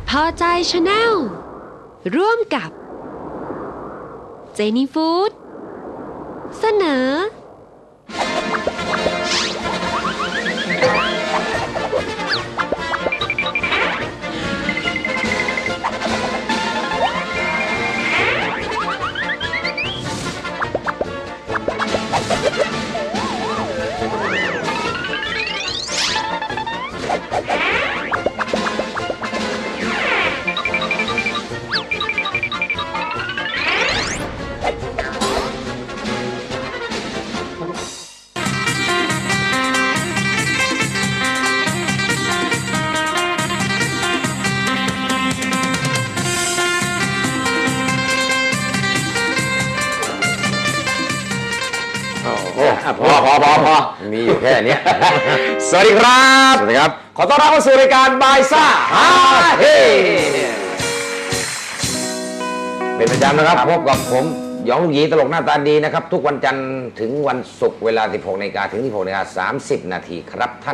พอใจชาแนลร่วมกับเจนี่ฟู้ดเสนอพอมีอยู่แค่นี้สวัสดีครับสวัสดีครับขอต้อนรับเข้าสู่รายการบายซ่าฮาเฮเป็นประจำนะครับพบกับผมหยองลูกหยีตลกหน้าตาดีนะครับทุกวันจันทร์ถึงวันศุกร์เวลา 16 นาฬิกาถึง 16 นาฬิกา 30 นาทีครับท่าน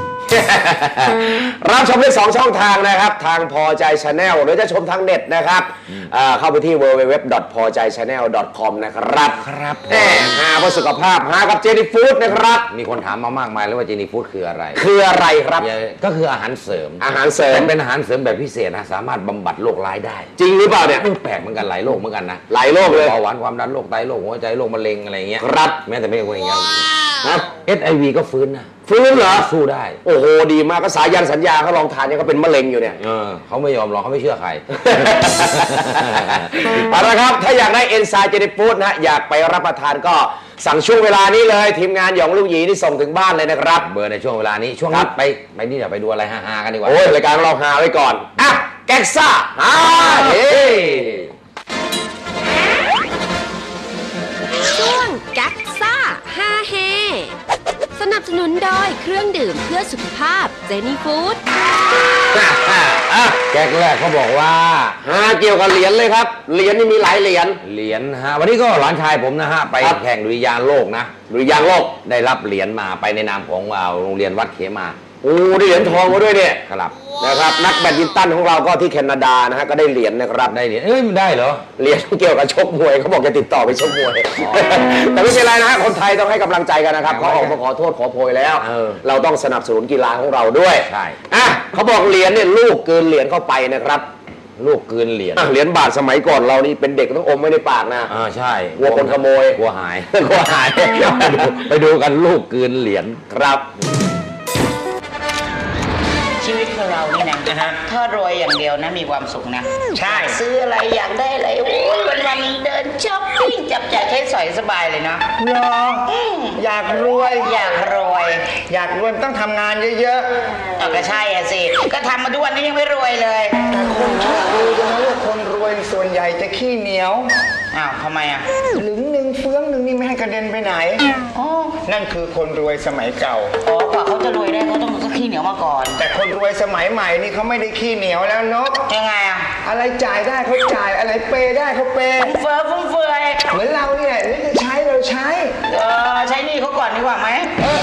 รับชมได้2ช่องทางนะครับทางพอใจชาแนลหรือจะชมทางเน็ตนะครับเข้าไปที่ www.pojaichannel.com นะครับครับหาเพื่อสุขภาพหากับเจนี่ฟู้ดนะครับมีคนถามมามากมายแล้วว่าเจนี่ฟู้ดคืออะไรคืออะไรครับก็คืออาหารเสริมอาหารเสริมแต่เป็นอาหารเสริมแบบพิเศษนะสามารถบำบัดโรคร้ายได้จริงหรือเปล่าเนี่ยแปลกเหมือนกันหลายโรคเหมือนกันนะหลายโรคเลยเบาหวานความดันโรคไตโรคหัวใจโรคมะเร็งอะไรเงี้ยครับแม้แต่ไม่ใช่คนอย่างเงี้ยนะ HIV ก็ฟื้นนะฟื้นเหรอสู้ได้โอ้โหดีมากก็สายันสัญญาเขาลองทานเนี่ยเขาเป็นมะเร็งอยู่เนี่ยเขาไม่ยอมหรอกเขาไม่เชื่อใครเอาละครับถ้าอยากได้เอนไซม์เจนี่ฟู้ดนะอยากไปรับประทานก็สั่งช่วงเวลานี้เลยทีมงานหยองลูกหยีที่ส่งถึงบ้านเลยนะครับเบอร์ในช่วงเวลานี้ช่วงครันี้บไปนี่เดี๋ยวไปดูอะไรฮาๆกันดีกว่าโอ้ยรายการเราหาไว้ก่อนอ่ะแก๊กซ่าฮาเฮช่วงกักซ่าฮาเฮสนับสนุนโดยเครื่องดื่มเพื่อสุขภาพเจนี่ฟู้ดแก๊กแรกเขาบอกว่าหาเกี่ยวกับเหรียญเลยครับเหรียญนี่มีหลายเหรียญเหรียญฮะวันนี้ก็หลานชายผมนะฮะไปครับแข่งดุริยางค์โลกนะหรือยางโลกได้รับเหรียญมาไปในนามของโรงเรียนวัดเขมาโอ้ได้เหรียญทองมาด้วยเนี่ยครับนะครับนักแบดมินตันของเราก็ที่แคนาดานะฮะก็ได้เหรียญนะครับได้เหรียญมันได้เหรอเหรียญเกี่ยวกับชกมวยเขาบอกจะติดต่อไปชกมวย แต่ไม่เป็นไรนะฮะคนไทยต้องให้กำลังใจกันนะครับเขาออกมาขอโทษขอโพยแล้ว เราต้องสนับสนุนกีฬาของเราด้วยใช่อ่ะเขาบอกเหรียญเนี่ยลูกเกินเหรียญเข้าไปนะครับลูกกลืนเหรียญเหรียญบาทสมัยก่อนเรานี่เป็นเด็กต้องอมไว้ในปากนะใช่กลัวคนขโมยกลัวหาย กลัวหาย ไปดูกันลูกกลืนเหรียญครับชีวิตของเรานี่นะถ้ารวยอย่างเดียวนะมีความสุขนะใช่ซื้ออะไรอยากได้อะไรโอ้ยวันๆเดินช้อปปิ้งจับจ่ายใช้สอยสบายเลยนะเหรออยากรวยอยากรวยอยากรวยต้องทำงานเยอะเอาก็ใช่อะสิก็ทำมาทุกวันนี้ยังไม่รวยเลยๆ แต่คนชอบรู้กันนะว่าคนรวยส่วนใหญ่จะขี้เหนียวอ้าวทำไมอ่ะหลึงหนึ่งเฟื้องหนึ่งนี่ไม่ให้กระเด็นไปไหนอ๋อนั่นคือคนรวยสมัยเก่าอ๋อกว่าเขาจะรวยได้เขาต้องขี้เหนียวมาก่อนแต่คนรวยสมัยใหม่นี่เขาไม่ได้ขี้เหนียวแล้วนกยังไงอ่ะอะไรจ่ายได้เขาจ่ายอะไรเปย์ได้เขาเปย์ฟุ่มเฟือยเหมือนเราเนี่ยนี่จะใช้เราใช้ใช้หนี่เขาก่อนดีกว่าไหม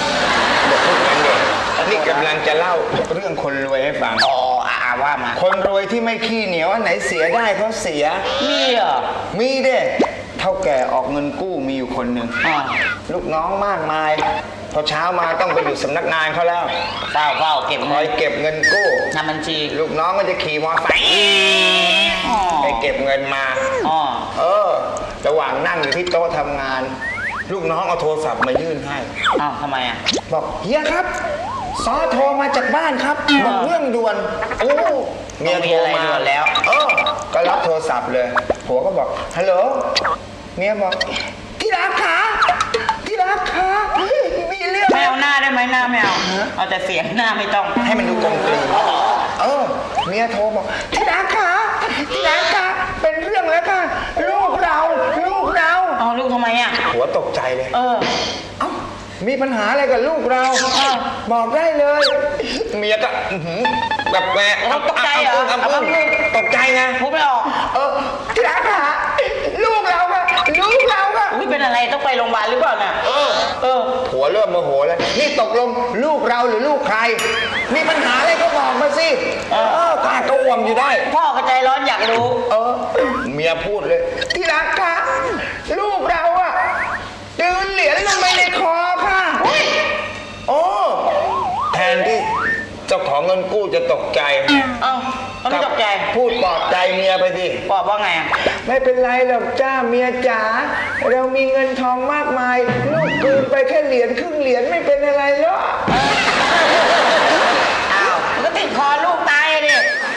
นี่กำลังจะเล่าเรื่องคนรวยให้ฟังอ๋อว่ามาคนรวยที่ไม่ขี้เหนียวอันไหนเสียได้เขาเสียมีเหรอมีเด้เท่าแก่ออกเงินกู้มีอยู่คนหนึ่งอ๋อลูกน้องมากมาย พอเช้ามาต้องไปอยู่สำนักงานเขาแล้วเฝ้าเก็บคเงิอยนเก็บเงินกู้ทำบัญชีลูกน้องก็จะขี่มอเตอร์ไซค์อ๋อไปเก็บเงินมาอ๋อระหว่างนั่งอยู่ที่โต๊ะทำงาน ลูกน้องเอาโทรศัพท์มายื่นให้อ้าวทำไมอ่ะบอกเฮียครับซอโทรมาจากบ้านครับบอกเรื่องด่วนโอ้เมียโทรมาด่วนแล้วก็รับโทรศัพท์เลยผัวก็บอกฮัลโหลเมียบอกที่รักขาที่รักขามีเรื่องไม่เอาหน้าได้ไหมหน้าไม่เอาเอาแต่เสียงหน้าไม่ต้องให้มันดูกลมกลืนเมียโทรบอกที่รักขาที่รักขาเป็นเรื่องแล้วค่ะลูกเราเอาลูกทำไมอ่ะผัวตกใจเลยเอ้ามีปัญหาอะไรกับลูกเราบอกได้เลยเมียก็แบบแม่เราตกใจเหรอตกใจไงพูดไม่ออกที่รักขาลูกเราอะอุ้ยเป็นอะไรต้องไปโรงพยาบาลหรือเปล่าน่ะผัวเริ่มโมโหแล้วนี่ตกลงลูกเราหรือลูกใคร มีปัญหาอะไรก็บอกมาสิกล้าโกหอ่วมอยู่ได้พ่อก็ใจร้อนอยากรู้เมียพูดเลย ที่รักคะลูกเราอะดืนเหรียญลงไปในคอค่ะโอ้แทนที่เจ้าของเงินกู้จะตกใจเอ้าแล้วไม่ตกใจพูดปลอบใจเมียไปสิบอกว่าไงไม่เป็นไรหรอกจ้าเมียจ๋าเรามีเงินทองมากมาย ลูกคืนไปแค่เหรียญครึ่งเหรียญไม่เป็นอะไรหรอกอ้าวมันก็ติดคอลูกตายดิ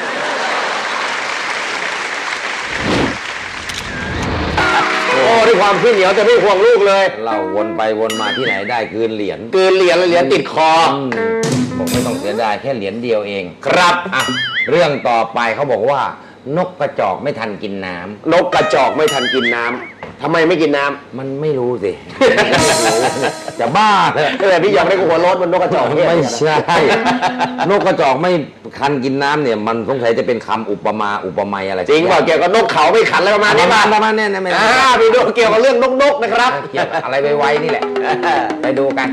โอ้ด้วยความขี้เหนียวจะไม่ห่วงลูกเลยเราวนไปวนมาที่ไหนได้คืนเหรียญเกินเหรียญเลยเหรียญติดคอบอกไม่ต้องเสียดายแค่เหรียญเดียวเองครับอ่ะเรื่องต่อไปเขาบอกว่านกกระจอกไม่ทันกินน้ำนกกระจอกไม่ทันกินน้ำทำไมไม่กินน้ำมันไม่รู้สิ จะบ้าเลยแต่พี่ยองได้หัวโล้นบนนกกระจอกเนี่ยไม่ใช่ นกกระจอกไม่คันกินน้ำเนี่ย มันสงสัยจะเป็นคำอุปมาอุปไมยอะไรจริงเปล่าเกี่ยวกับนกเขาไม่ขันอะไรประมาณนี้ป่ะประมาณนี้นะไม่ไปดูเกี่ยวกับเรื่องนกๆนะครับเกี่ยวกับอะไรไวๆนี่แหละ ไปดูกัน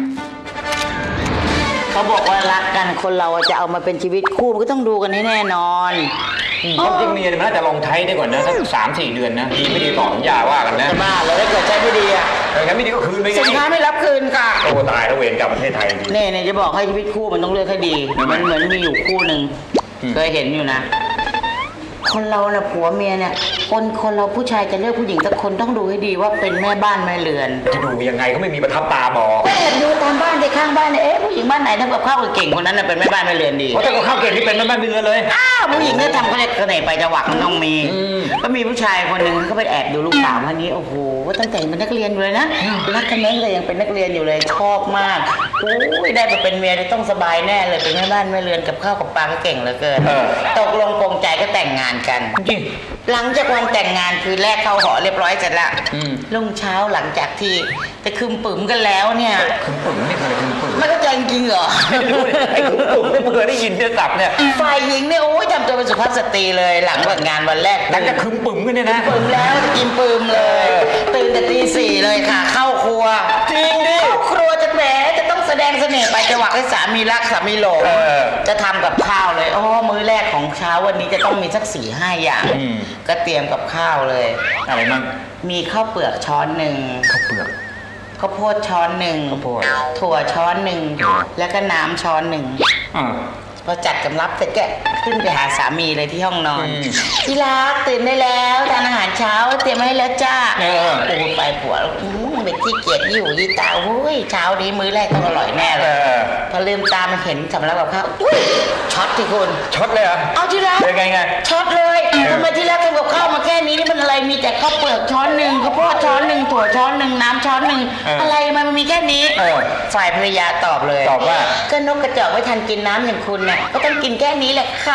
เขาบอกว่ารักกันคนเราจะเอามาเป็นชีวิตคู่มันก็ต้องดูกันให้แน่นอนความจริงเมียเนี่ยมันน่าจะลองใช้ได้ก่อนนะสัก3-4 เดือนนะดีไม่ดีต่อสัญญาว่ากันนะจะบ้าเลยถ้าเกิดใช้ไม่ดีอะแต่งั้นไม่ดีก็คืนไปไงสินค้าไม่รับคืนค่ะโอ้ตายแล้วเวรกรรมประเทศไทยจริงเนี่ยจะบอกให้ชีวิตคู่มันต้องเลือกให้ดีมันเหมือนมีอยู่คู่หนึ่งเคยเห็นอยู่นะ คนเราน่ะผัวเมียเนี่ยคนเราผู้ชายจะเลือกผู้หญิงสักคนต้องดูให้ดีว่าเป็นแม่บ้านแม่เรือนจะดูยังไงก็ไม่มีประทับตาบอกก็แอบดูตามบ้านในข้างบ้านเนี่ยผู้หญิงบ้านไหนทำกับข้าวเก่งคนนั้นน่ะเป็นแม่บ้านแม่เรือนดีเพราะถ้าก็ข้าวเก่งที่เป็นแม่บ้านเป็นเรือนเลยอ้าวผู้หญิงเนี่ยทำเขาเรียกเสน่ห์ไปจังหวะมันต้องมี ก็มีผู้ชายคนหนึ่งเขาไปแอบดูลูกสาวคนนี้โอ้โหว่าตั้งแต่เป็นนักเรียนอยู่เลยนะรักกันแม่เลยยังเป็นนักเรียนอยู่เลยชอบมากโอ้ยได้มาเป็นเมียได้ต้องสบายแน่เลยเป็นแม่บ้านแม่เรือนกับข้าวกับปลาก็เก่งเหลือเกินตกลงปรงใจก็แต่งงานกันจริงหลังจากวันแต่งงานคือแรกเข้าหอเรียบร้อยเสร็จแล้วรุ่งเช้าหลังจากที่จะคืมปึ๋มกันแล้วเนี่ยคึมปึ๋งไม่เคยคึมปึ๋งไม่เข้าใจจริงๆเหรอไม่รู้เลยไอ้คึมปึ๋งไม่เคยได้ยินเนี่ยศัพท์เนี่ยฝ่ายหญิงเนี่ยโอ้ยทำตัวเป็นสุภาพสตรีเลยหลังแต่งงานวันแรกหลังจากคึมปึ๋งกันเนี่ยนะปึ๋มแล้วจะกินปึ๋มเลยตื่นแต่ตี 4เลยค่ะ เข้าครัวจริงดิเข้าครัวจะแหมจะต้องแสดงเสน่ห์ไปจังหวะให้สามีรักสามีหลงจะทำกับข้าวเลยมื้อแรกของเช้าวันนี้จะต้องมีสัก4-5 อย่างก็เตรียมกับข้าวเลยอะไรมั่งมีข้าวเปลือกช้อนหนึ่งข้าวเปลือกข้าวโพดช้อนหนึ่งข้าวโพดถั่วช้อนหนึ่งแล้วก็น้ำช้อนหนึ่งอ่าพอจัดกำรับเสร็จก็ขึ้นไปหาสามีเลยที่ห้องนอนอืมที่รักตื่นได้แล้วทานอาหารเช้าเตรียมไว้ให้แล้วจ้าเออโอ้ไปผัวเป็นที่เกียจอยู่ยี่ตาโอ้ยเช้านี้มื้อแรกต้องอร่อยแน่เลยพอลืมตามาเห็นสำรับกับข้าวอุ้ยช็อตที่คุณช็อตเลยเหรอเอาที่รักเป็นไงช็อตเลยทำไมที่รักทำกับข้าวมาแค่นี้นี่มันอะไรมีแต่ข้าวเปลือกช้อนหนึ่งข้าวโพดช้อนหนึ่งถั่วช้อนหนึ่งน้ำช้อนหนึ่งอะไรมันมีแค่นี้ฝ่ายภรรยาตอบเลยตอบว่าก็นกกระจอกไม่ทันกินน้ำอย่างคุณน่ะก็ต้องกินแค่นี้แหละค่ะ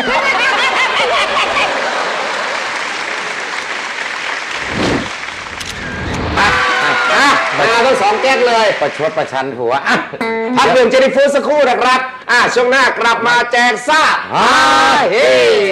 มาทั้ง2 แก๊กเลยประชดประชันผัวอ่ะพักดื่มเจนี่ฟู้ดสักครู่นะครับช่วงหน้ากลับมาแจกซ่าเฮ้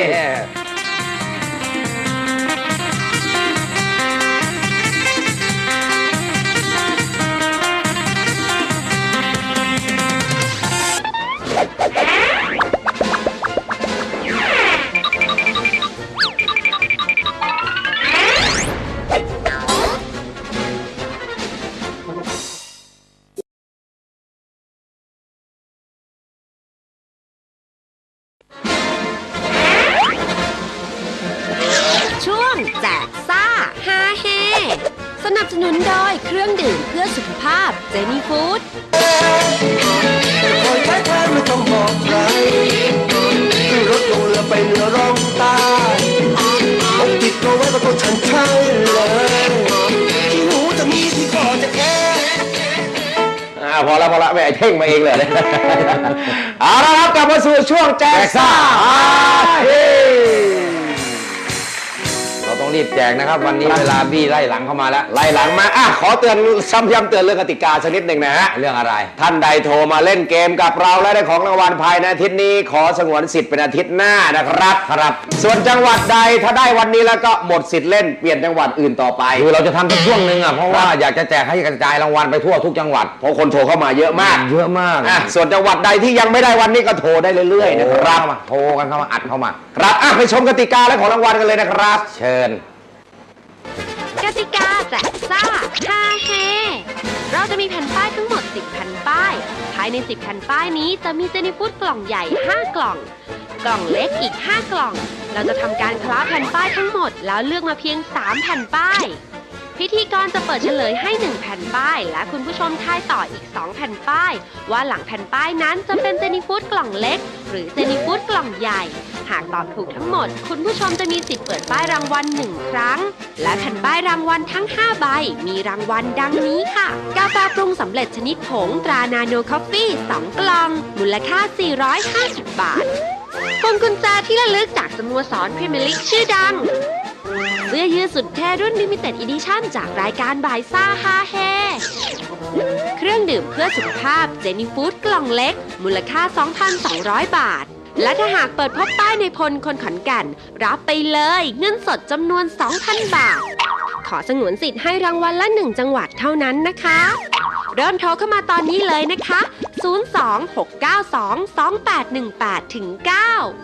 ช่วงแจกซ่าฮาเฮสนับสนุนโดยเครื่องดื่มเพื่อสุขภาพเจนี่ฟู้ดคอยแค่แทนไม่ต้องบอกใครขึ้นรถลงเรือไปเหนือร่องใต้อกติดตัวไว้กับตัวฉันใช่เลยที่หูจะมีที่คอจะแค่พอแล้วไม่ไอ้เท่งมาเองเลยเอาละครับกลับมาสู่ช่วงแจกซ่าเฮ้เราต้องรีบแจกนะครับ วันนี้เวลาบี้ไล่หลังเข้ามาแล้วไล่หลังมาขอเตือนซ้ำย้ำเตือนเรื่องกติกาสักนิดหนึ่งนะฮะเรื่องอะไรท่านใดโทรมาเล่นเกมกับเราและได้ของรางวัลภายในอาทิตย์นี้ ขอสงวนสิทธิ์เป็นอาทิตย์หน้านะครับส่วนจังหวัดใดถ้าได้วันนี้แล้วก็หมดสิทธิ์เล่นเปลี่ยนจังหวัดอื่นต่อไปคือเราจะทำสักช่วงหนึ่งอ่ะเพราะว่าอยากจะแจกให้กระจายรางวัลไปทั่วทุกจังหวัดเพราะคนโทรเข้ามาเยอะมากเยอะมากส่วนจังหวัดใดที่ยังไม่ได้วันนี้ก็โทรได้เรื่อยๆนะครับโทรกันเข้ามาอัดเข้ามาครับไปชมกติกาและของรางวัลกันเลยนะครับเชิญกติกาแจกซ่าฮาเฮเราจะมีแผ่นป้ายทั้งหมด 10 แผ่นป้าย ภายใน 10 แผ่นป้ายนี้จะมีเจนี่ฟู้ดกล่องใหญ่ 5 กล่อง กล่องเล็กอีก 5 กล่อง เราจะทำการคล้าแผ่นป้ายทั้งหมด แล้วเลือกมาเพียง 3 แผ่นป้าย พิธีกรจะเปิดเฉลยให้ 1 แผ่นป้าย และคุณผู้ชมทายต่ออีก 2 แผ่นป้าย ว่าหลังแผ่นป้ายนั้นจะเป็นเจนี่ฟู้ดกล่องเล็ก หรือเจนี่ฟู้ดกล่องใหญ่ หากตอบถูกทั้งหมด คุณผู้ชมจะมีสิทธิ์เปิดป้ายรางวัล1 ครั้ง และแผ่นป้ายรางวัลทั้ง 5 ใบ มีรางวัลดังนี้ค่ะ กาแฟปรุงสำเร็จชนิดผงตรานาโนคอฟฟี่ 2 กล่อง มูลค่า 450 บาทพวงกุญแจที่ระลึกจากสโมสรพรีเมียร์ลีกชื่อดัง เสื้อยืดสุดเท่รุ่น Limited Edition จากรายการบายซ่าฮาเฮเครื่องดื่มเพื่อสุขภาพเจนี่ฟู้ดกล่องเล็ก มูลค่า 2,200 บาท และถ้าหากเปิดพบป้ายในพลคนขอนแก่น รับไปเลยเงินสดจำนวน 2,000 บาท ขอสงวนสิทธิ์ให้รางวัลละ 1 จังหวัดเท่านั้นนะคะ เริ่มโทรเข้ามาตอนนี้เลยนะคะ 026922818 ถึง 9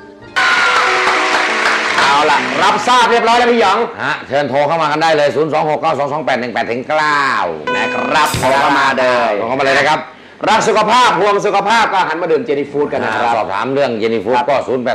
เอาล่ะ รับทราบเรียบร้อยแล้วพี่หยองเชิญโทรเข้ามากันได้เลย 026922818ถึง9 นะครับโทรเข้ามาเลยโทรเข้ามาเลยนะครับรักสุขภาพห่วงสุขภาพก็หันมาดื่มเจนี่ฟู้ดกันนะครับสอบถามเรื่องเจนี่ฟู้ดก็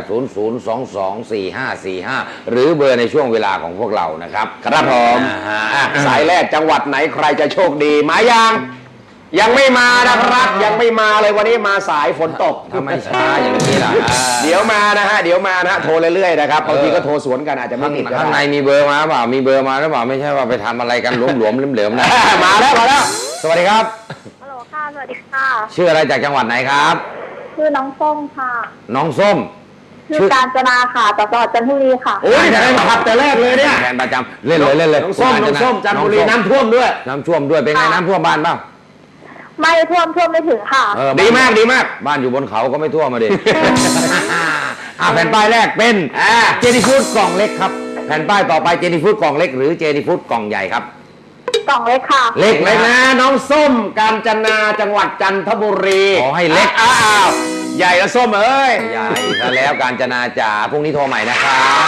0800224545 หรือเบอร์ในช่วงเวลาของพวกเรานะครับครับผมสายแรกจังหวัดไหนใครจะโชคดีมายังไม่มานะครับ ยังไม่มาเลยวันนี้มาสายฝนตกทำไมช้าอย่างนี้ล่ะเดี๋ยวมานะฮะโทรเรื่อยๆนะครับบางทีก็โทรสวนกันอาจจะไม่ติดก็ข้างในได้มีเบอร์มาเปล่ามีเบอร์มาหรือเปล่าไม่ใช่ว่าไปทำอะไรกันหลวมๆเหลวๆนะมาแล้วสวัสดีครับฮัลโหลค่ะ สวัสดีค่ะชื่ออะไรจากจังหวัดไหนครับชื่อน้องส้มค่ะน้องส้มชื่อการจนาค่ะจากจังหวัดจันทบุรีค่ะโอ้ยแต่ขับแต่แรกเลยเนี่ยแฟนประจำเล่นเลยน้องส้มจันทบุรีน้ำท่วมด้วยน้ำท่วมด้วยเป็นไงน้ำท่วมบ้านเปล่าไม่ท่วมไม่ถึงค่ะดีมากบ้านอยู่บนเขาก็ไม่ท่วมมาดิ แผ่นป้ายแรกเป็นเจนี่ฟู้ดกล่องเล็กครับแผ่นป้ายต่อไปเจนี่ฟู้ดกล่องเล็กหรือเจนี่ฟู้ดกล่องใหญ่ครับกล่องเล็กค่ะเล็กเลยนะน้องส้มกาญจนาจังหวัดจันทบุรีขอให้เล็กอ้าวใหญ่แล้วส้มเอ้ยใหญ่ซะแล้วการจนาจ๋าพรุ่งนี้โทรใหม่นะครับ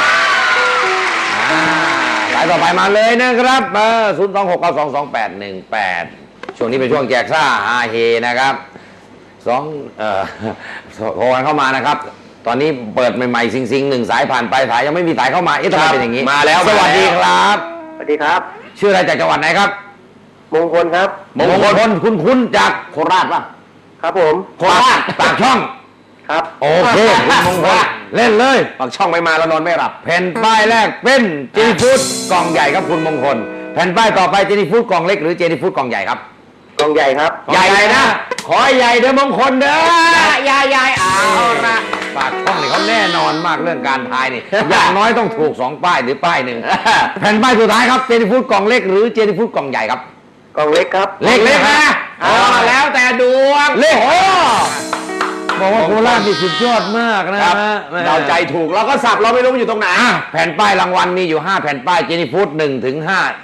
สายต่อไปมาเลยนะครับ026922818ช่วงนี้เป็นช่วงแจกซ่าฮาเฮนะครับโทรกันเข้ามานะครับ ตอนนี้เปิดใหม่ๆซิงๆ1 สายผ่านไปสายยังไม่มีสายเข้ามาทำไมเป็นอย่างนี้มาแล้วสวัสดีครับสวัสดีครับชื่ออะไรจากจังหวัดไหนครับมงคลครับมงคลคุ้นๆจากโคราชป่ะครับผมโคราชปากช่องครับโอเคคุณมงคลเล่นเลยบางช่องไม่มาแล้วนอนไม่หลับแผ่นป้ายแรกเป็นเจนี่ฟู้ดกล่องใหญ่ครับคุณมงคลแผ่นป้ายต่อไปเจนี่ฟู้ดกล่องเล็กหรือเจนี่ฟู้ดกล่องใหญ่ครับกองใหญ่ครับใหญ่นะ ขอให้ใหญ่เด้อมงคลเด้อใหญ่เอาละปากช่องนี่เขาแน่นอนมากเรื่องการทายนี่ อย่างน้อยต้องถูก2 ป้ายหรือป้ายหนึ่งแผ่นป้ายสุดท้ายครับเจนี่ฟู้ดกล่องเล็กหรือเจนี่ฟู้ดกล่องใหญ่ครับกองเล็กครับเล็กเล็กนะนะแล้วแต่ดวงเล็กบอกว่าโคราชนี่สุดยอดมากนะครับเราใจถูกเราก็สับเราไม่รู้มันอยู่ตรงไหนแผ่นป้ายรางวัลมีอยู่5 แผ่นป้ายเจนี่ฟู้ด1 ถึง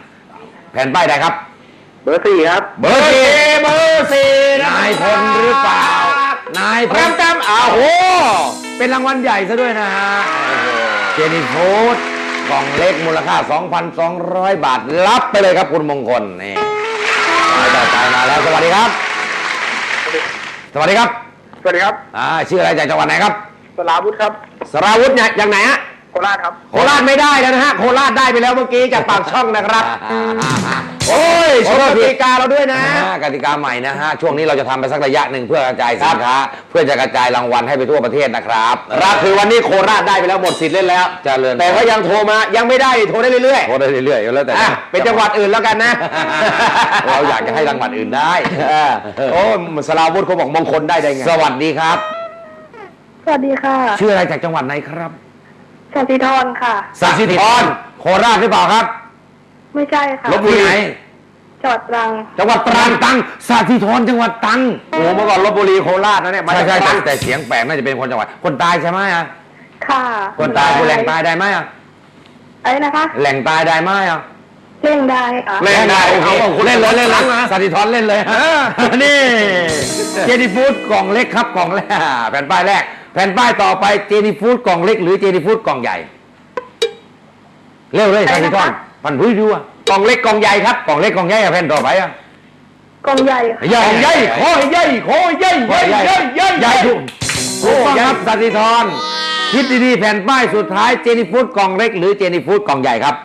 5แผ่นป้ายใดครับเบอร์ 4 ครับเบอร์สี่นายพลหรือเปล่านายพลแต้มอ้าวโอ้โหเป็นรางวัลใหญ่ซะด้วยนะฮะเจนี่ฟู้ดกล่องเล็กมูลค่า 2,200 บาทรับไปเลยครับคุณมงคลนี่ต่อไปมาแล้วสวัสดีครับ สวัสดีครับสวัสดีครับชื่ออะไรจากจังหวัดไหนครับสลาวุธครับสราวุธเนี่ยอย่างไหนฮะโคราชครับโคราชไม่ได้แล้วนะฮะโคราชได้ไปแล้วเมื่อกี้จากปากช่องนะครับ โอ้ยชมกติกาเราด้วยนะกติกาใหม่นะฮะช่วงนี้เราจะทำไปสักระยะหนึ่งเพื่อกระจายสินค้าเพื่อจะกระจายรางวัลให้ไปทั่วประเทศนะครับครับคือวันนี้โคราชได้ไปแล้วหมดสิทธิ์เล่นแล้วเจริญแต่ว่ายังโทรมายังไม่ได้โทรได้เรื่อยโทรได้เรื่อยๆแล้วแต่ๆเป็นจังหวัดอื่นแล้วกันนะเราอยากจะให้รางวัลอื่นได้โอ้สราวุธเขาบอกมงคลได้ไงสวัสดีครับสวัสดีค่ะชื่ออะไรจากจังหวัดไหนครับสศิธรค่ะสัสิธรโคราชหรือเปล่าครับไม่ใช่ค่ะลบบุรีไหนจังหวัดตรังจังหวัดตรังสัสิธรจังหวัดตรังโอ้เมื่อก่อนลบบุรีโคราชนะเนี่ยมาใช่จากใช่ตรังแต่เสียงแปลกน่าจะเป็นคนจังหวัดคนตายใช่ไหมอ่ะค่ะคนตายคนแหล่งตายได้ไหมอ่ะไอ้นะคะแหล่งตายได้ไหมอ่ะเล่งได้ค่ะเล่นได้โอเคเอาคุณเล่นเลยสัติธรเล่นเลยฮะนี่เจนี่ฟู้ดกล่องเล็กครับกล่องแรกแผ่นป้ายแรกแผ่นป้ายต่อไปเจนี่ฟู้ดกล่องเล็กหรือเจนี่ฟู้ดกล่องใหญ่เร็วเลยท่านผู้ชมพันผู้ดูอ่ะกล่องเล็กกล่องใหญ่ครับกล่องเล็กกล่องใหญ่อะแผ่นต่อไปอ่ะกล่องใหญ่ค่ะใหญ่ใหญ่ขอให้ใหญ่ขอให้ใหญ่ใหญ่ใหญ่ใหญ่ใหญ่ถูกต้องครับสันติธรคิดดีๆแผ่นป้ายสุดท้ายเจนี่ฟู้ดกล่องเล็กหรือเจนี่ฟู้ดกล่องใหญ่ครับ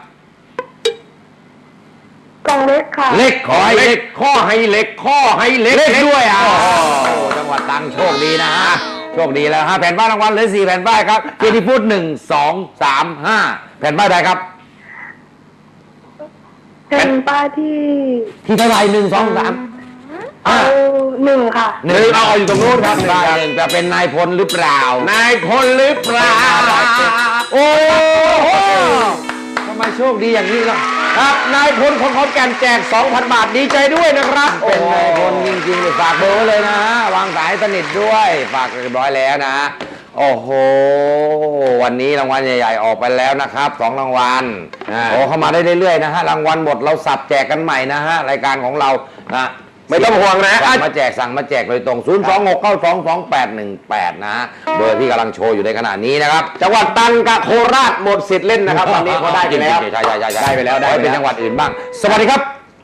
กล่องเล็กค่ะเล็กขอให้เล็กข้อให้เล็กข้อให้เล็กเล็กด้วยอ่ะจังหวัดตรังโชคดีนะฮะโชคดีแล้วฮะแผ่นป้ายรางวัลเหลือ4แผ่นป้ายครับเจนี่ฟู้ด1 2 3 5แผ่นป้ายใดครับเป็นป้ายที่ที่เท่าไหร่1 2 3 เอาหนึ่งค่ะหนึ่งเอาอยู่ตรงนู้นครับป้ายหนึ่งจะเป็นนายพลหรือเปล่านายพลหรือเปล่าโอ้โหทำไมโชคดีอย่างนี้ล่ะครับนายพลของขอนแก่นแจก 2,000 บาทดีใจด้วยนะครับเป็นนายพลจริงๆเลยฝากเบอร์ไว้เลยนะฮะวางสายสนิทด้วยฝากเรียบร้อยแล้วนะโอ้โหวันนี้รางวัลใหญ่ๆออกไปแล้วนะครับ2รางวัลโอ้เข้ามาได้เรื่อยๆนะฮะรางวัลหมดเราสับแจกกันใหม่นะฮะรายการของเรานะไม่ต้องห่วงนะสั่งมาแจกโดยตรง 026922818 นะฮะเบอร์ที่กำลังโชว์อยู่ในขณะนี้นะครับจังหวัดตรังกับโคราชหมดสิทธิ์เล่นนะครับวันนี้เขาได้ไปแล้วใช่ๆๆๆได้ไปแล้วได้ขอให้ไปเป็นแล้วจังหวัดอื่นบ้าง สวัสดีครับ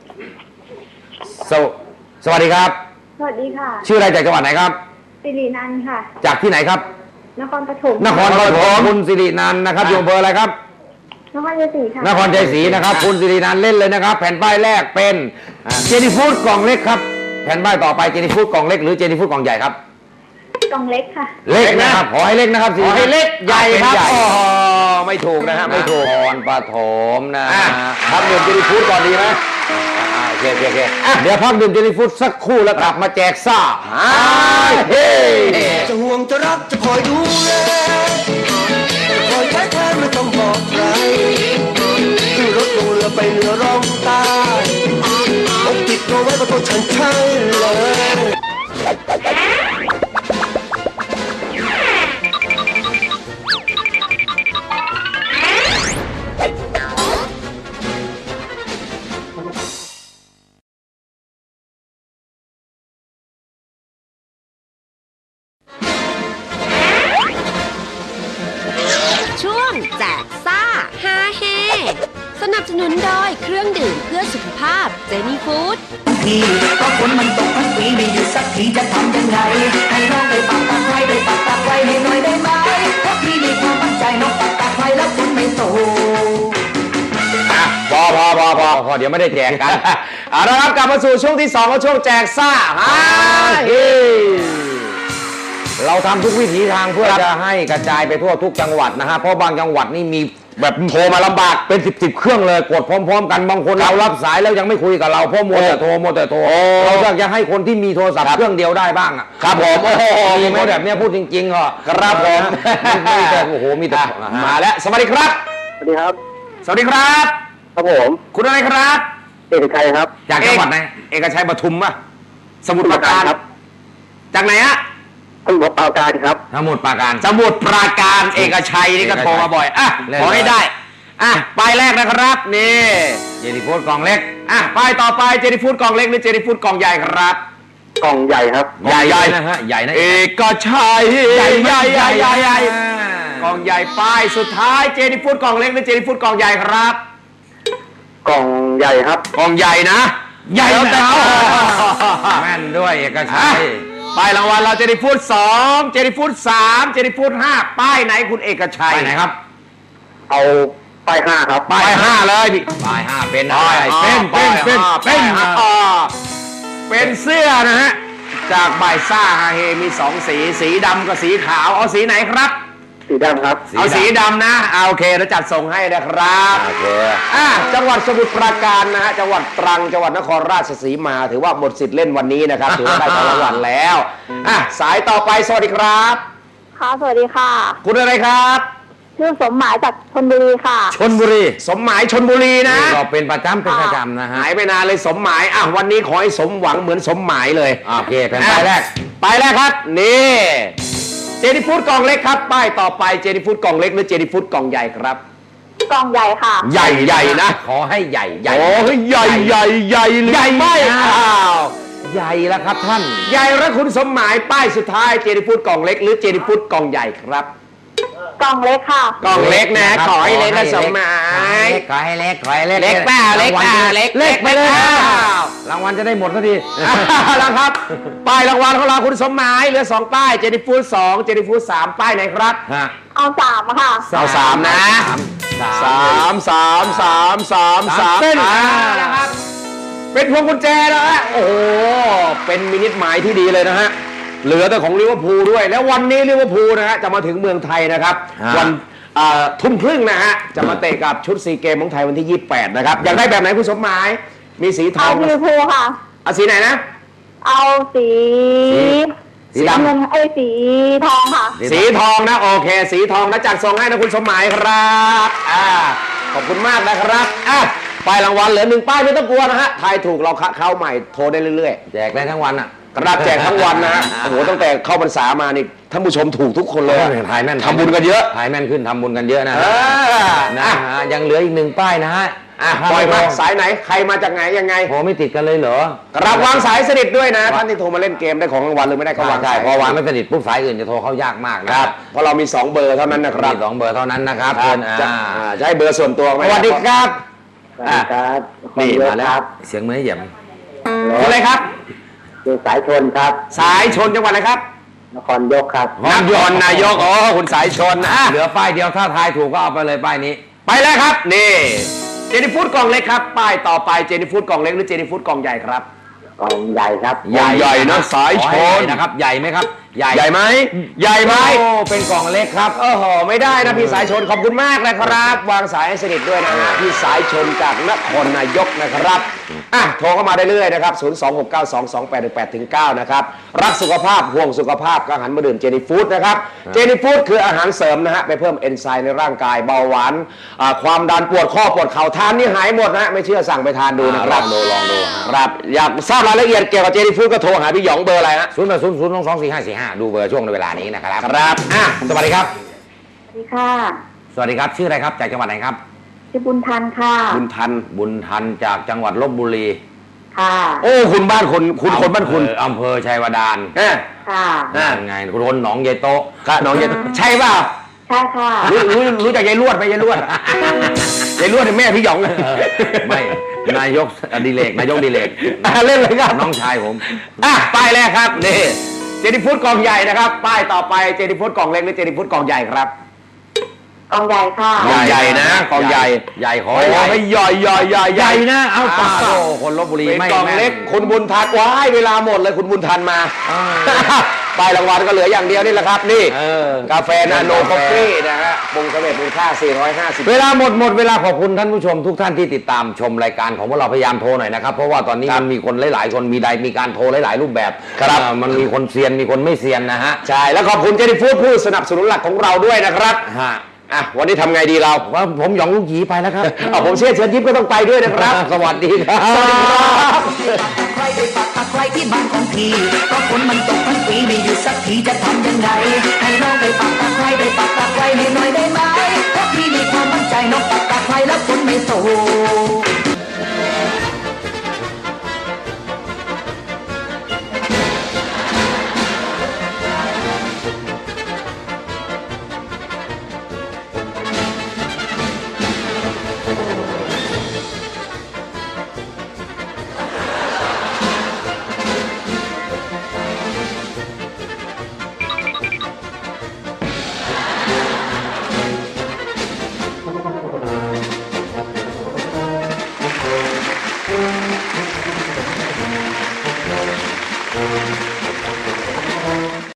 สวัสดีครับสวัสดีค่ะชื่ออะไรจากจังหวัดไหนครับสิรินันท์ค่ะจากที่ไหนครับนครปฐมนครปฐมคุณสิรินันท์นะครับอยู่อำเภออะไรครับนครชัยศรีค่ะนครชัยศรีนะครับคุณสิรินันท์เล่นเลยนะครับ แผ่นป้ายแรกเป็นเจนี่ฟู้ดกล่องเล็กครับแผ่นป้ายต่อไปเจนี่ฟู้ดกล่องเล็กหรือเจนี่ฟู้ดกล่องใหญ่ครับกล่องเล็กค่ะเล็กนะครับขอให้เล็กนะครับขอให้เล็กใหญ่ครับเป็นใหญ่โอ้โหไม่ถูกนะฮะไม่ถูกนครปฐมนะอ่ะทำเงินเจนี่ฟู้ดก่อนดีไหมโอเคเดี๋ยวพักดื่มเจนี่ฟู้ดสักครู่แล้วกลับมาแจกซ่าเฮ้จะห่วงจะรักจะคอยดูแลจะคอยใช้แทนไม่ต้องบอกใครขึ้นรถลงเรือไปเรือร้องตายอกติดตัวไว้กับตัวฉันใช่เลยช่วงแจกซ่าฮาเฮสนับสนุนโดยเครื่องดื่มเพื่อสุขภาพเจนี่ฟู้ดทีก็ฝนมันตกทั้งปีไม่หยุดสักทีจะทำยังไงให้น้องได้ปักตะไคร้ได้ปักตะไคร้ให้หน่อยได้ไหมเพราะพี่มีความมั่นใจน้องปักตะไคร้แล้วฝนไม่ตกพอเดี๋ยวไม่ได้แจกกันเอาละครับกลับมาสู่ช่วงที่2ของช่วงแจกซ่าเฮ้เราทำทุกวิถีทางเพื่อจะให้กระจายไปทั่วทุกจังหวัดนะฮะเพราะบางจังหวัดนี่มีแบบโทรมาลำบากเป็น10เครื่องเลยกดพร้อมๆกันบางคนเรารับสายแล้วยังไม่คุยกับเราเพราะมัวแต่โทรเราอยากจะให้คนที่มีโทรศัพท์เครื่องเดียวได้บ้างอ่ะครับผมโอ้โหมีไหมแบบเนี้ยพูดจริงๆเหรอครับผมไม่แต่โอ้โหมีแต่มาแล้วสวัสดีครับสวัสดีครับสวัสดีครับครับผมคุณอะไรครับเอกชัยครับจากจังหวัดไหนเอกชัยปทุมป่ะสมุทรปราการจากไหนฮะสมุทรปราการครับสมุทรปราการสมุทรปราการเอกชัยนี่ก็โทรมาบ่อยอ่ะเล่นขอให้ได้อ่ะป้ายแรกนะครับนี่เจนี่ฟู้ดกล่องเล็กอ่ะป้ายต่อไปเจนี่ฟู้ดกล่องเล็กหรือเจนี่ฟู้ดกล่องใหญ่ครับกล่องใหญ่ครับใหญ่นะฮะใหญ่นะเอกชัยใหญ่กล่องใหญ่ป้ายสุดท้ายเจนี่ฟู้ดกล่องเล็กหรือเจนี่ฟู้ดกล่องใหญ่ครับกล่องใหญ่ครับกล่องใหญ่นะใหญ่แล้วแต่นะเอาแม่นด้วยเอกชัอ่ะยป้ายรางวัลเราเจนี่ฟู้ด2เจนี่ฟู้ด3เจนี่ฟู้ด5ป้ายไหนคุณเอกชัยไปไหนครับเอาป้าย5ครับป้าย5เลยพี่ป้าย5เป็นป้าย เป็นเสื้อนะฮะจากบ่ายซ่าฮาเฮมี2สีสีดำกับสีขาวเอาสีไหนครับสีดำครับเอาสีดำนะโอเคเราจัดส่งให้นะครับโอเคจังหวัดสมุทรปราการนะฮะจังหวัดตรังจังหวัดนครราชสีมาถือว่าหมดสิทธิ์เล่นวันนี้นะครับถือว่าได้ของรางวัลแล้วสายต่อไปสวัสดีครับค่ะ สวัสดีค่ะคุณอะไรครับชื่อสมหมายจากชลบุรีค่ะชลบุรีสมหมายชนบุรีนะก็เป็นประจำนะฮะหายไปนานเลยสมหมายวันนี้ขอให้สมหวังเหมือนสมหมายเลยโอเคแผ่นป้ายแรกป้ายแรกครับนี่เจนี่ฟู้ดกล่องเล็กครับป้ายต่อไปเจนี่ฟู้ดกล่องเล็กหรือเจนี่ฟู้ดกล่องใหญ่ครับกล่องใหญ่ค่ะใหญ่นะขอให้ใหญ่โอ้ยใหญ่หรือใหญ่ไม่นะอ้าวใหญ่แล้วครับท่านใหญ่และคุณสมหมายป้ายสุดท้ายเจนิฟูดกล่องเล็กหรือเจนิฟูดกล่องใหญ่ครับกล่องเล็กค่ะกล่องเล็กนะขอให้เล็กนะสมหมายขอให้เล็กขอให้เล็กเล็กเปล่าเล็กเปล่าเล็กเล็กไปเลยเล็กเปล่ารางวัลจะได้หมดสักทีแล้วครับ ป้ายรางวัลของเราคุณสมหมายเหลือ2ป้ายเจนิฟูด2เจนิฟูด3ป้ายไหนครับฮะเอา3ค่ะเอา3นะสาม 3 เส้นนะครับเป็นพวงกุญแจแล้วฮะโอ้โหเป็นมินิหมายที่ดีเลยนะฮะเหลือแต่ของลิเวอร์พูลด้วยแล้ววันนี้ลิเวอร์พูลนะฮะจะมาถึงเมืองไทยนะครับวันทุ่มครึ่งนะฮะจะมาเตะกับชุดซีเกมของไทยวันที่ 28 นะครับอยากได้แบบไหนคุณสมหมายมีสีทอเอางลิเวอร์พูลค่ะเอาสีไหนนะเอาสีสีดำเงินสีทองค่ะสีทองนะโอเค สีทองนะจัดส่งให้นะคุณสมหมายครับขอบคุณมากนะครับป้ายรางวัลเหลือ1ป้ายไม่ต้องกลัวนะฮะทายถูกเราเข้าใหม่โทรได้เรื่อยๆแจกได้ทั้งวันอ่ะกระดาษแจกทั้งวันนะฮะ โอ้โห ตั้งแต่เข้าพรรษามานี่ท่านผู้ชมถูกทุกคนเลยอะถ่ายแม่นทำบุญกันเยอะถ่ายแม่นขึ้นทำบุญกันเยอะนะเออนะฮะยังเหลืออีก1ป้ายนะฮะปล่อยมาสายไหน ใครมาจากไหนยังไงโทรไม่ติดกันเลยเหรอรับวางสายสนิทด้วยนะ ท่านที่โทรมาเล่นเกมได้ของรางวัลหรือไม่ได้ก็วางใช่สายพอวางไม่สนิทปุ๊บสายอื่นจะโทรเข้ายากมากนะคครัรับบ เพราะเรามี 2 เบอร์เท่านั้นนะครับมี2 เบอร์เท่านั้นนะครับครัเพื่บอนจะให้เบอร์ส่วนตัวไหมสวัสดีครับครับนี่มาแล้วเสียงเหมือนเหยียบคุณอะไรครับคือสายชนครับสายชนจังหวัดอะไรครับนครยกครับนครนายกอ๋อคุณสายชนเหลือป้ายเดียวถ้าทายถูกก็เอาไปเลยป้ายนี้ไปแล้วครับนี่เจนิฟูดกล่องเล็กครับป้ายต่อไปเจนิฟูดกล่องเล็กหรือเจนิฟูดกล่องใหญ่ครับกล่องใหญ่ครับใหญ่นะสายชนนะครับใหญ่ไหมครับใหญ่ไหมใหญ่ไหมโอ้เป็นกล่องเล็กครับโอ้โหไม่ได้นะพี่สายชนขอบคุณมากนะครับ วางสายให้สนิทด้วยนะฮะพี่สายชนจากนครนายกนะครับโทรเข้ามาได้เรื่อยนะครับ 026922818-9 นะครับรักสุขภาพห่วงสุขภาพก็หันมาดื่มเจนี่ฟู้ดนะครับเจนี่ฟู้ดคืออาหารเสริมนะฮะไปเพิ่มเอนไซม์ในร่างกายเบาหวานความดันปวดข้อปวดเข่าทานนี่หายหมดนะฮะไม่เชื่อสั่งไปทานดูนะครับลองดูครับอยากทราบรายละเอียดเกี่ยวกับเจนี่ฟู้ดก็โทรหาพี่หยองเบอร์อะไรฮะ 08002244545ดูเบอร์ช่วงในเวลานี้นะครับครับสวัสดีครับสวัสดีค่ะสวัสดีครับชื่ออะไรครับจากจังหวัดไหนครับชื่อบุญทันค่ะบุญทันบุญทันจากจังหวัดลบบุรีค่ะโอ้คุณบ้านคนบ้านคุณอำเภอชัยวดานค่ะนั่นไงคุณคนหนองเยโตะก็น้องใช่เปล่าใช่ค่ะรู้จักยายลวดไหมยายลวดยายลวดเป็นแม่พี่หยองไม่นายกดิเลกนายกดิเลกเล่นเลยครับน้องชายผมป้ายแรกครับนี่เจนิฟูดกล่องใหญ่นะครับป้ายต่อไปเจนิฟูดกล่องเล็กหรือเจนิฟูดกล่องใหญ่ครับกล่องใหญ่ค่ะใหญ่นะกล่องใหญ่ใหญ่ขอโอ้ใหญ่ยใหญ่ใหญ่นะเอาปากโอ้คนลบบุรีเป็นไม่กล่องเล็กคุณบุญทันว้ายเวลาหมดเลยคุณบุญทันมาป้ายรางวัลก็เหลืออย่างเดียวนี่แหละครับนี่กาแฟนาโนคอฟฟี่นะฮะปรุงสำเร็จมูลค่า450 เวลาหมดเวลาขอบคุณท่านผู้ชมทุกท่านที่ติดตามชมรายการของพวกเราพยายามโทรหน่อยนะครับเพราะว่าตอนนี้มันมีคนหลายๆคนมีการโทรหลายๆรูปแบบมันมีคนเซียนมีคนไม่เซียนนะฮะใช่แล้วขอบคุณเจนิฟูดผู้สนับสนุนหลักของเราด้วยนะครับวันนี้ทำไงดีเราว่าผมหยองลูกหยีไปแล้วครับผมเชื่อเชิญยิ้มก็ต้องไปด้วยนะครับสวัสดีครับสวัสดีครับใครไปปักตะไคร้ที่บ้านของพี่ก็ฝนมันตกทั้งปีไม่หยุดสักทีจะทำยังไงให้น้องไปปักตะไคร้ไปปักตะไคร้ให้หน่อยได้ไหมเพราะพี่มีความมั่นใจน้องปักตะไคร้แล้วฝนไม่ตก